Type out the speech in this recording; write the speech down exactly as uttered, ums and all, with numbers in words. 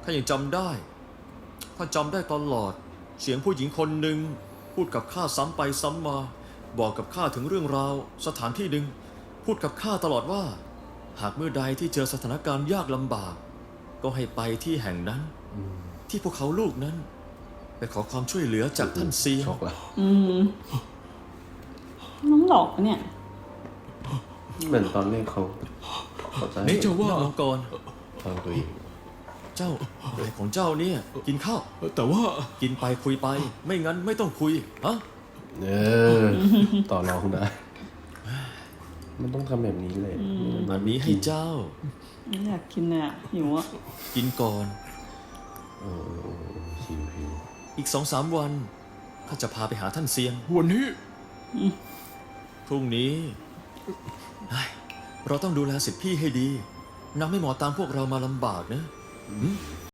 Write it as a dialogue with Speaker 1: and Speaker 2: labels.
Speaker 1: ถ้ายังจำได้ถ้าจำได้ตลอดเสียงผู้หญิงคนหนึ่งพูดกับข้าซ้ำไปซ้ำมา บอกกับข้าถึงเรื่องราวสถานที่หนึ่งพูดกับข้าตลอดว่า หากเมื่อใดที่เจอสถานการณ์ยากลำบาก ก็ให้ไปที่แห่งนั้นที่พวกเขาลูกนั้น ไปขอความช่วยเหลือจากท่านเซียง
Speaker 2: ช็อกละ
Speaker 3: อืมน้องหลอกปะเนี่ย
Speaker 2: เหมือนตอนแรกเขาเขาจะให้
Speaker 1: นี่เจ้าว่ามังกร
Speaker 2: ฟังตัวเอง
Speaker 1: เจ้าอะไรของเจ้าเนี่ยกินข้าว
Speaker 4: แต่ว่า
Speaker 1: กินไปคุยไป ไม่งั้นไม่ต้องคุยฮะ
Speaker 2: เออต่อรองได้ มันต้องทำแบบนี้เลย
Speaker 1: อันนี้ให้เจ้า
Speaker 3: ไม่อยากกินเลยอ่ะหิวอ่ะ
Speaker 1: กินก่อน
Speaker 2: เออเออเออหิวหิว
Speaker 1: อีกสองสามวันข้าจะพาไปหาท่านเซียง
Speaker 4: วันนี้
Speaker 1: พรุ่งนี้เฮ้ยเราต้องดูแลสิทธิพี่ให้ดีนำให้หมอตามพวกเรามาลำบากนะ